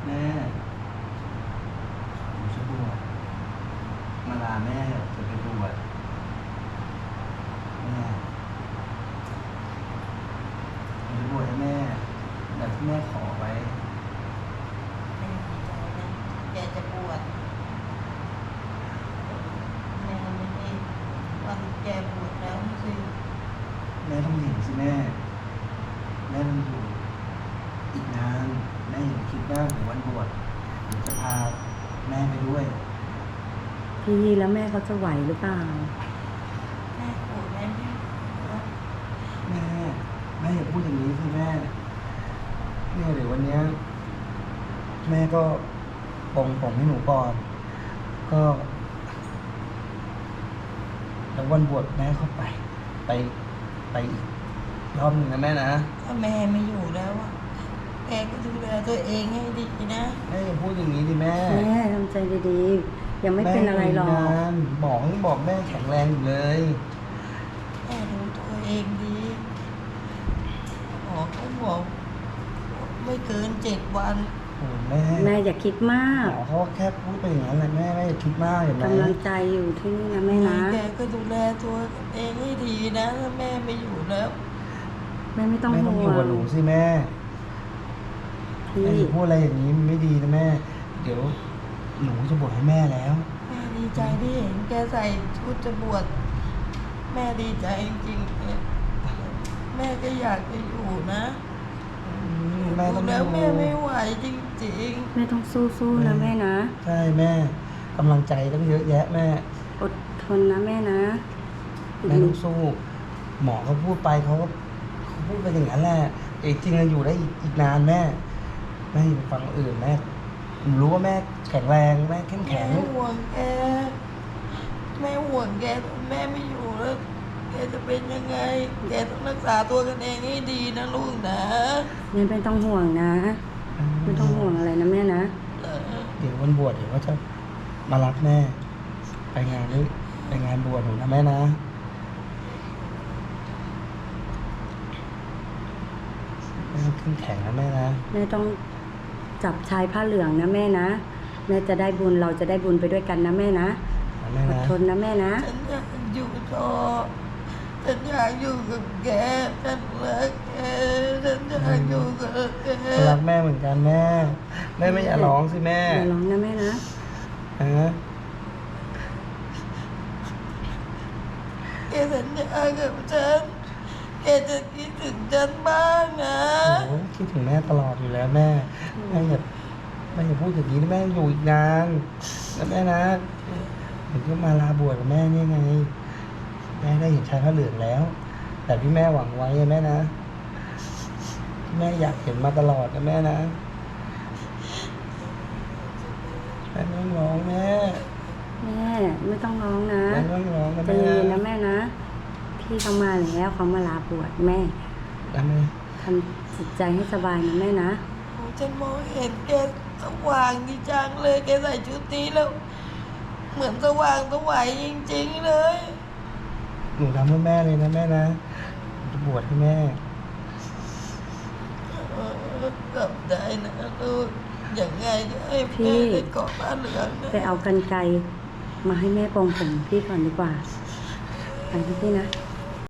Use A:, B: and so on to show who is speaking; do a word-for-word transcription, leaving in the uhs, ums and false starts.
A: แม่หนูจะบวชมาลาแม่จะไปบวชแม่หนูจะบวชให้แม่แบบที่แม่ขอไว้
B: แม่ดีใจนะแกจะบวชแม่ไม่ได้วันแกบวชแล้วสิ
A: แม่ต้องเห็นสิแม่แม่ต้องอยู่อีกนานแม่อย่าคิดว่าถึงวันบวชหนูจะพาแม่ไปด้วย
C: พี่แล้วแม่เขาจะไหวหรือเปล่า
B: แม่บวชแม่ไม่บวช
A: แม่แม่อย่าพูดอย่างนี้สิแม่เนี่ยเดี๋ยววันเนี้ยแม่ก็ปลงผมให้หนูก่อน ก็แล้ววันบวชแม่เข้าไป ไปไปอีกรอบหนึ่งนะแม่นะ
B: ถ้าแม่ไม่อยู่แล้วอะแกก็ดูแลตัวเองให้ดีนะ
A: แม่อย่าพูดอย่างนี้ดิแม่
C: แม่ทำใจดีๆ ยังไม่เป็นอะไรหรอก
A: แม่ยู่นานบอกให้บอกแม่แข็งแรงอยู่เลย
B: แม่ดูตัวเองดีหมอเขาบอกไม่เกินเจ็ดวัน
A: โอ้แม่
C: แม่อย่าคิดมาก
A: หมอเขาแค่พูดไปอย่างนั้นแหละแม่แม่อย่าคิดมากเห็นไหม
C: กำลังใจอยู่ที่นี่นะแม่นะ
B: แกก็ดูแลตัวเองให้ดีนะถ้าแม่ไม่อยู่แล้ว
C: แม่ไม่ต้อง
A: แม่ต้อง
C: ห่
A: อยู่
C: ว
A: กับ
C: ง
A: หนูสิแม่
C: พี่
A: แม่อย่าพูดอะไรอย่างนี้มันไม่ดีนะแม่ เดี๋ยวหนูจะบวชให้แม่แล้ว
B: แม่ดีใจที่เห็นแกใส่ชุดจะบวชแม่ดีใจจริงๆเนี่ยแม่ก็อยากจะอยู่นะ
A: แม่ต้อง
B: แล้ว
A: อยู่
B: แม่ไม่ไหวจริง
C: แม่ต้องสู้ๆนะแม่นะ
A: ใช่แม่กำลังใจต้องเยอะแยะแม่
C: อดทนนะแม่นะอีก
A: แม่
C: ห
A: ต้
C: นึ่
A: อง งสู้ หมอเขาพูดไปเขาก็เขาพูดไปอย่างนั้นแหละแต่จริงๆเราอยู่ได้อีกอีกนานแม่แม่อย่าไปฟังคนอื่นแม่หนูรู้ว่าแม่แข็งแรงแม่เข้ม
B: ๆ
A: แข็ง
B: แม่ห่วงแกแม่ห่วงแกแม่ไม่อยู่แล้วแกจะเป็นยังไงแกต้องรักษาตัวกันเองให้ดีนะลูกนะ
C: แม่ไม่ต้องห่วงนะ ไม่ต้องห่วงอะไรนะแม่นะ
B: เออ
A: เดี๋ยววันบวชเดี๋ยวก็จะมารับแม่ ไปงานนี้ไปงานบวชหนูนะแม่นะแม่ต้องเข้มแข็งนะแม่นะ
C: แม่ต้องจับชายผ้าเหลืองนะแม่นะ แม่จะได้บุญเราจะได้บุญไปด้วยกันนะแม่นะ
A: นะแม่
C: อด
A: นะ
C: ทนนะแม่นะ
B: ฉันอยากอยู่ต่อฉันอยากอยู่กับแกฉันรักแกฉันอยากอยู่กับแก
A: รักแม่เหมือนกันแม่ แม่ไม่อย่าร้องสิแม่
C: อย่าร้องนะแม่นะ
A: ฮะ
B: แกสัญญากับฉันแกจะคิดถึงฉันบ้างนะ
A: โอ้โหคิดถึงแม่ตลอดอยู่แล้วแม่แม่อย่าแม่อย่าพูดอย่างนี้นะแม่อยู่อีกนานนะแม่นะผมก็มาลาบวชกับแม่นี่ไงแม่ได้เห็นชายพระเหลืองแล้ว แต่ที่แม่หวังไว้อะแม่นะที่แม่อยากเห็นมาตลอดนะแม่นะแม่ไม่ต้องร้องแม่
C: แม่ไม่ต้องร้องนะ
A: แม่ไม่ต้องร้องนะ
C: ใจ
A: แม่
C: เย็นๆนะแม่นะ พี่เขามาแล้วเขามาลาบวชแม่
A: นะแม่
C: ทำจิตใจให้สบายนะแม่นะ
B: โอ้ฉันมองเห็นแกสว่างดีจังเลยแกใส่ชุดนี้แล้ว เหมือนสว่างสวัยจริงๆเลย
A: หนูทำเพื่อแม่เลยนะแม่นะหนูจะบวชให้แม่
B: เออกลับได้นะลูกอย่างไงก็ให้
C: พี่
B: แม่ได้เกาะบ้านเหลืองนะ
C: ไปเอากันไกรมาให้แม่ปองผมพี่ก่อนดีกว่าไปนะพี่นะ